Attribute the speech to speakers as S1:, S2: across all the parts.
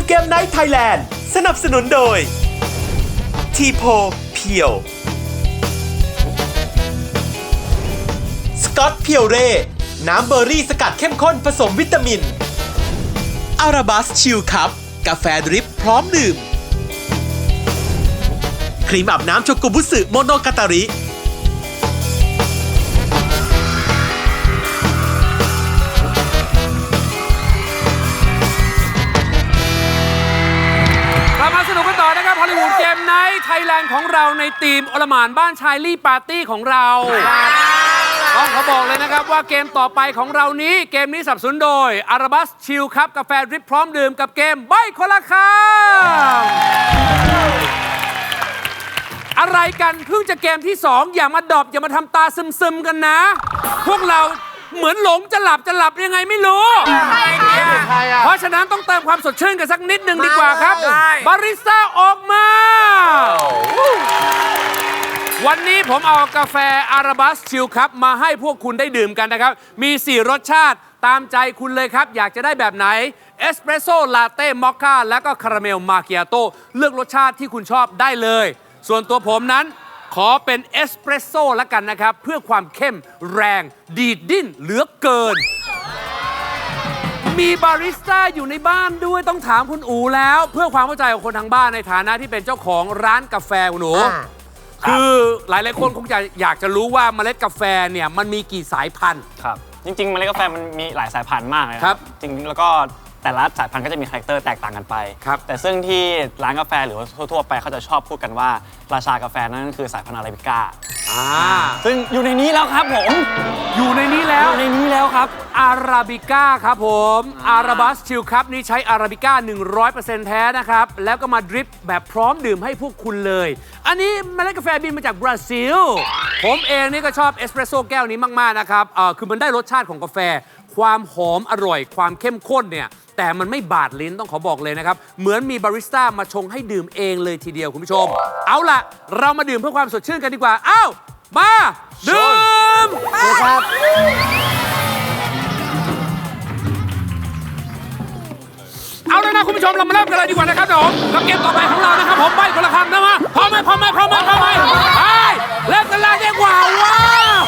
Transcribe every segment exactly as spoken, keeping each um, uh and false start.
S1: เกมไนท์ไทยแลนด์สนับสนุนโดยทีโพเพียวสกอตเพียวเร่น้ำเบอร์รี่สกัดเข้มข้นผสมวิตามินอาราบัสชิลคัพกาแฟดริปพร้อมดื่มครีมอาบน้ำโชกุบุสึโมโนกาตาริ
S2: มาสนุกกันต่อนะครับฮอลลีวูดเกมไนท์ไทยแลนด์ของเราในทีมอลหม่านบ้านชายลี่ปาร์ตี้ของเราต้องขอบอกเลยนะครับว่าเกมต่อไปของเรานี้เกมนี้สนับสนุนโดยอาราบัสชิลคัพกาแฟดริปพร้อมดื่มกับเกมใบ้คนละคำอะไรกันเพิ่งจะเกมที่สองอย่ามาดอบอย่ามาทำตาซึมๆกันนะ พวกเราเหมือนหลงจะหลับจะหลับยังไงไม่รู้เพราะฉะนั้นต้องเติมความสดชื่นกันสักนิดหนึ่งดีกว่าครับบาริสต้าออกมาวันนี้ผมเอากาแฟอาราบัสชิลคัพมาให้พวกคุณได้ดื่มกันนะครับมีสี่รสชาติตามใจคุณเลยครับอยากจะได้แบบไหนเอสเปรสโซ่ลาเต้มอคค่าและก็คาราเมลมาคิอาโต้เลือกรสชาติที่คุณชอบได้เลยส่วนตัวผมนั้นขอเป็นเอสเปรสโซ่ละกันนะครับเพื่อความเข้มแรงดีดดิ้นเหลือเกินมีบาริสต้าอยู่ในบ้านด้วยต้องถามคุณอูแล้วเพื่อความเข้าใจของคนทางบ้านในฐานะที่เป็นเจ้าของร้านกาแฟคุณอูคือหลายๆคนคงจะอยากจะรู้ว่าเมล็ดกาแฟเนี่ยมันมีกี่สายพันธุ์
S3: ครับจริงๆเมล็ดกาแฟมันมีหลายสายพันธุ์มากเลย
S2: ครับ
S3: จริงแล้วก็แต่ละสายพันธุ์ก็จะมีคาแรคเตอร์แตกต่างกันไปแต่ซึ่งที่ร้านกาแฟหรือว่าทั่วๆไปเขาจะชอบพูดกันว่าราชากาแฟนั่นคือสายพันธุ์อาราบิก้าซึ่งอยู่ในนี้แล้วครับผม
S2: อยู่ในนี้แล้ว
S3: อยู่ในนี้แล้วครับ
S2: อาราบิก้าครับผมอาราบัสชิลคัพนี้ใช้อาราบิก้า หนึ่งร้อยเปอร์เซ็นต์ แท้นะครับแล้วก็มาดริปแบบพร้อมดื่มให้พวกคุณเลยอันนี้เมล็ดกาแฟบินมาจากบราซิลผมเองนี่ก็ชอบเอสเปรสโซ่แก้วนี้มากๆนะครับเอ่อคือมันได้รสชาติของกาแฟความหอมอร่อยความเข้มข้นเนี่ยแต่มันไม่บาดลิ้นต้องขอบอกเลยนะครับเหมือนมีบาริสต้ามาชงให้ดื่มเองเลยทีเดียวคุณผู้ชมเอาล่ะเรามาดื่มเพื่อความสดชื่นกันดีกว่าอ้าวมาดื่มครับเอาแล้วนะคุณผู้ชมเรามาเริ่มกันเลยดีกว่านะครับผมกับเกมต่อไปของเรานะครับผมใบ้คนละคำนะมาพร้อมไหมพร้อมไหมพร้อมไหมพร้อมไหมไปเริ่มกันเลยดีกว่าว้าว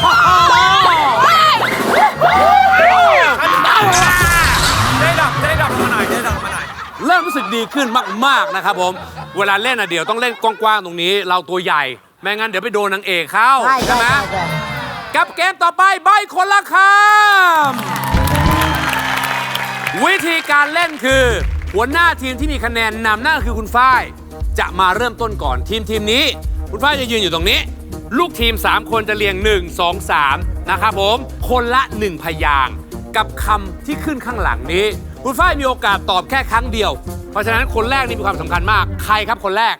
S2: ได้ดอกได้ดอกมาหน่อยได้ดอกมาหน่อยเริ่มรู้สึกดีขึ้นมากๆนะครับผมเวลาเล่นอ่ะเดี๋ยวต้องเล่นกว้างๆตรงนี้เราตัวใหญ่ไม่งั้นเดี๋ยวไปโดนนางเอกเข้าใช่ไหมกับเกมต่อไปใบ้คนละคำวิธีการเล่นคือหัวหน้าทีมที่มีคะแนนนำนั่นคือคุณฝ้ายจะมาเริ่มต้นก่อนทีมทีมนี้คุณฝ้ายจะยืนอยู่ตรงนี้ลูกทีมสามคนจะเรียงหนึ่ง สอง สามนะครับผมคนละหนึ่งพยางค์กับคำที่ขึ้นข้างหลังนี้คุณฝ้ายมีโอกาสตอบแค่ครั้งเดียวเพราะฉะนั้นคนแรกนี่มีความสำคัญมากใครครับคนแรก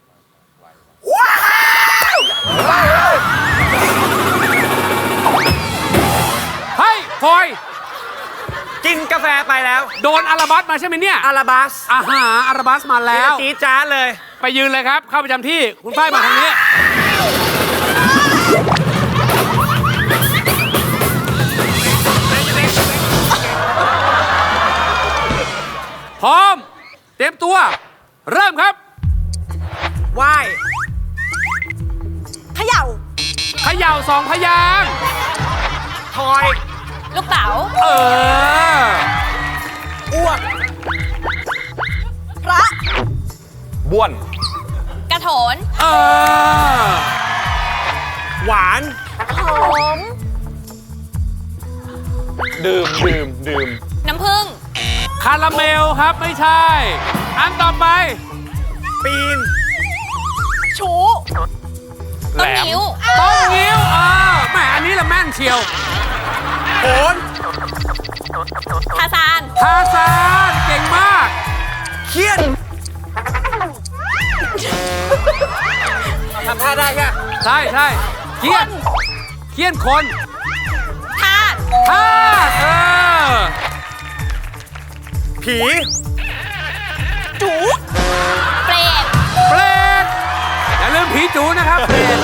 S2: เฮ้ยพลอย
S4: กินกาแฟไปแล้ว
S2: โดนอาราบัสมาใช่ไหมเนี่ย
S4: อาราบัส
S2: อาหาอาราบัสมาแล้ว
S4: จี๊ดจ๊าดเลย
S2: ไปยืนเลยครับเข้าประจำที่คุณฝ้ายมาทางนี้พร้อมเตรียมตัวเริ่มครับ
S4: ว่าย
S5: เขย่า
S2: เขย่าสองพยางค์
S4: ทอย
S5: ลูกเต๋า
S2: เออ
S4: อ้วก
S5: พระ
S3: บ้วน
S5: กระโถน
S2: เออ
S4: หวาน
S5: หอม
S3: ดื่มดื่มดื่ม
S5: น้ำผึ้ง
S2: คาราเมลครับไม่ใช่อันต่อไป
S4: ปีน
S5: ชู
S2: ต้นงิ้วต้นงิ้วเออแหมอันนี้ละแม่นเชียว
S4: โขน
S5: ทาซาน
S2: ทาซานเก่งมาก
S4: เคียนทำท่าได้แค่
S2: ใช่ใช่เคียนเคียนคน
S5: ทาส
S2: ทาสเออ
S4: ผี
S5: จูเปรต
S2: เปรตอย่าลืมผีจูนะครับเปรต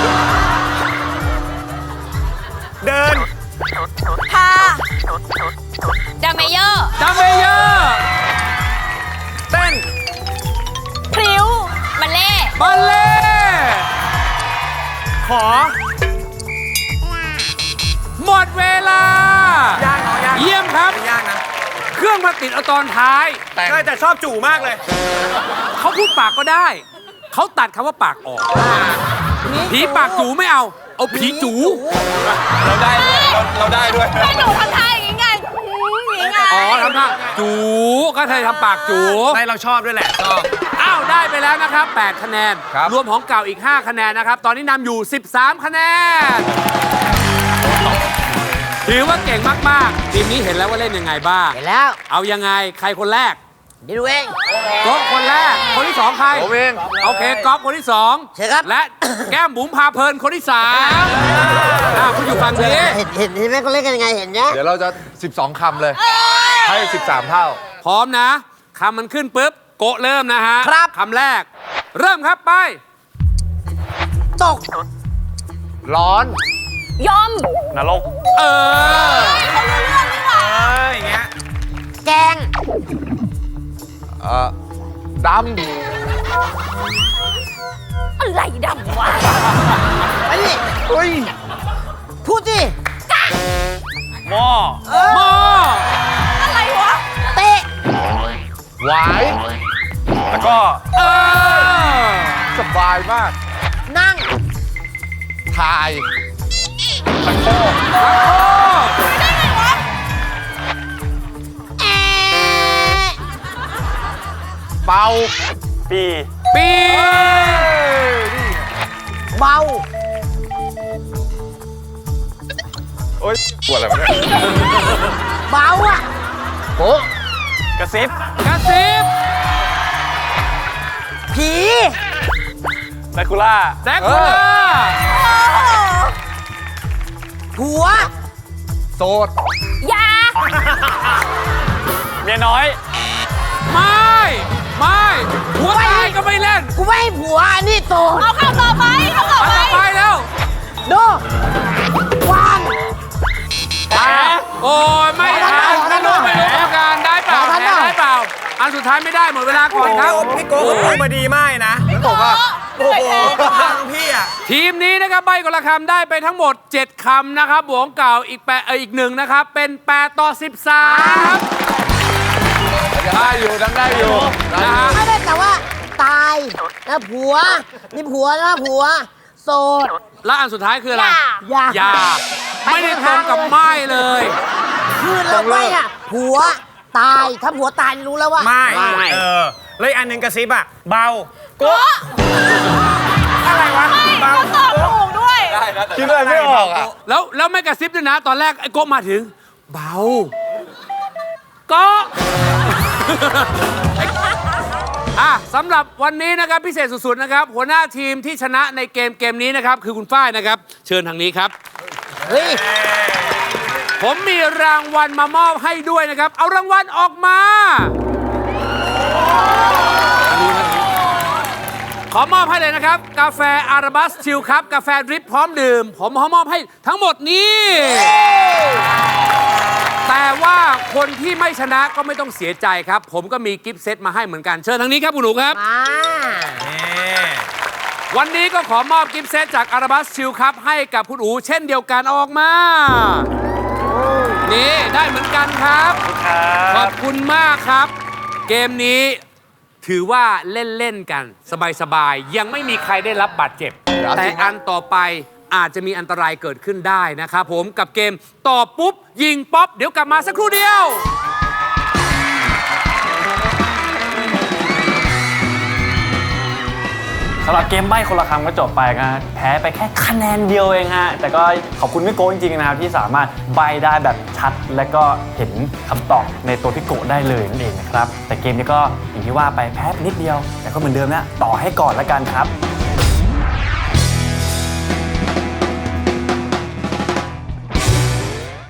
S4: เดิน
S5: พาดัมเมเยอร์
S2: ดัมเมเยอร์
S4: เต้น
S2: บัลเล่
S4: ขอ
S2: หมดเวลา
S4: ยากเนาะยาก
S2: เยี่ยมครับ
S4: ยากนะ
S2: เครื่องมาติดเอาตอนท้าย
S4: แต่แต่ชอบจู่มากเลย
S2: เขาพูดปากก็ได้ เขาตัดคำว่าปากออก ผีปากจูไม่เอา เอาผีจู
S4: เราได้ด้วย เราเราได้ด้วย
S5: แม่หนูทำท่าอย่างงี้ไงอืมอย่างงี้ไง
S2: อ๋อทำท่าจูก็เธอทำปากจู
S4: ได้เราชอบด้วยแหละ ชอบ
S2: อ้าว ได้ไปแล้วนะครับ แปด คะแนน
S4: ครับ
S2: รวมของเก่าอีก ห้า คะแนนนะครับ ตอนนี้นำอยู่ สิบสาม คะแนน ถือว่าเก่งมาก ๆ ทีมนี้เห็นแล้วว่าเล่นยังไงบ้าง
S6: เห็นแล้ว
S2: เอายังไง ใครคนแรก
S6: เดี๋ยวดูเอง
S2: ก๊อฟคนแรก คนที่สองใคร
S4: ผมเอง
S2: โอเคก๊อฟคนที่สอง
S6: เชิญครับ
S2: และ แก้มบุ๋มพาเพลินคนที่สามอ่าคุณอยู่ฝั่งนี้
S6: เห็นเห็นเห็นไหมเขาเล่นกันยังไงเห็นนะ
S7: เดี๋ยวเราจะ สิบสอง คำเลย ให้ สิบสาม เท่า
S2: พร้อมนะคำมันขึ้นปุ๊บ โกะเริ่มนะฮะ
S6: ครับ
S2: คำแรก เริ่มครับไป
S6: ตก
S7: ร้อน
S5: ยอม
S3: นรก
S2: เออ
S5: เขารู้เรื่องนี่หว่า
S4: เอออย่างเงี้ย
S6: แกง
S7: เอ่อ ด
S5: อะไรดำวะ
S6: ไปดิ
S7: ำอุ้ย
S6: พูดสิ
S3: หม้อ
S2: หม้อ
S5: อะไรวะ
S6: เตะ
S7: หวาย
S3: แล้วก็
S2: เออ
S7: สบายมาก
S6: นั่ง
S7: ถ่าย
S6: แอะ
S7: เป่า
S3: ปี
S2: ปี
S6: เบา
S7: โอ๊ยปวดอะไรวะเนี่ย
S6: เบาอ่ะ
S7: โป๊ะ
S3: กระซิบ
S2: กระซิบ
S6: ผี
S3: แดคูล่า
S2: แดกคูล่า
S6: ผัว
S7: โสด
S5: ยา
S3: เมียน้อย
S2: ไม่ ไม่หัวตายก็ไม่เล่น
S6: กูไม่ให้ผัวอันนี้โต
S5: เอาคำต่อไปคำต่อ
S2: อัน
S5: ไป
S2: ต่อไปแล้ว
S6: ดูวาง
S2: อ่ะโอ้ยไม่ทันไม่รู้ไม่รู้กรรมการได้เปล่า
S6: ขอทัน
S2: แพ้
S6: หน่อย
S2: ได้เปล่า อันสุดท้ายไม่ได้หมดเวลาก่อนครับ
S4: พี่โก้เขาพูดมาดีมากนะ
S7: พี่บอกว่า
S4: โอ้โหฟังพี่อ่ะ
S2: ทีมนี้นะครับใบคนละคำได้ไปทั้งหมด เจ็ด คำนะครับบวกของเก่าอีกแปดเอออีกหนึ่งนะครับ เป็น แปด ต่อ สิบสาม
S7: ได้อยู่ดังได้อยู่ได้
S2: นะ
S7: อยู่
S2: ฮะ
S6: ไม่ได้แต่ว่า ตายนะผัว นี่ผัวนะผัว โสด
S2: แล้วอันสุดท้ายคืออะไร
S6: อย่า
S2: อย่า ไม่ได้ตรงกับไม้เลย
S6: คือเราไม่อ่ะ ผัว ตาย ถ้าผัวตายรู้แล้วว่า
S4: ไม่ เออแล้วอีกอันหนึ่งกระซิบอ่ะ เบา โก้ อะไรวะ เบา
S5: ตอบถูกด้วย
S7: คิดอะไรไม่ออกอ่ะ
S2: แล้วแล้วไม่กระซิบด้วยนะ ตอนแรกไอ้โก้มาถึง เบาก็ อ่ะสำหรับวันนี้นะครับพิเศษสุดๆนะครับ หัวหน้าทีมที่ชนะในเกมเกมนี้นะครับ คือคุณฝ้ายนะครับ เชิญทางนี้ครับ
S6: เฮ้ย
S2: ผมมีรางวัลมามอบให้ด้วยนะครับ เอารางวัลออกมา ขอมอบให้เลยนะครับ กาแฟอาราบัสชิลครับกาแฟดริปพร้อมดื่ม ผมขอมอบให้ทั้งหมดนี้ แต่ว่าคนที่ไม่ชนะก็ไม่ต้องเสียใจครับ ผมก็มีกิฟต์เซตมาให้เหมือนกัน เชิญทางนี้ครับคุณหนูครับ
S6: มา
S2: วันนี้ก็ขอมอบกิฟต์เซตจากอาราบัสชิลครับให้กับคุณอูเช่นเดียวกันเอาออกมา นี่ได้เหมือนกันครับ ขอบคุณมากครับ เกมนี้ถือว่าเล่น ๆ กัน สบาย ๆ ยังไม่มีใครได้รับบาดเจ็บ แต่อันต่อไปอาจจะมีอันตรายเกิดขึ้นได้นะครับผมกับเกมตอบปุ๊บ ยิงป๊อป เดี๋ยวกลับมาสักครู่เดียว
S3: สำหรับเกมใบ้คนละคำก็จบไปนะแพ้ไปแค่คะแนนเดียวเองฮะ แต่ก็ขอบคุณพี่โก้จริงๆนะครับ ที่สามารถใบ้ได้แบบชัด และก็เห็นคำตอบในตัวพี่โก้ได้เลยนั่นเองนะครับ แต่เกมนี้ก็อย่างที่ว่าไปแพ้ไปนิดเดียว แต่ก็เหมือนเดิมนะต่อให้ก่อนละกันครับ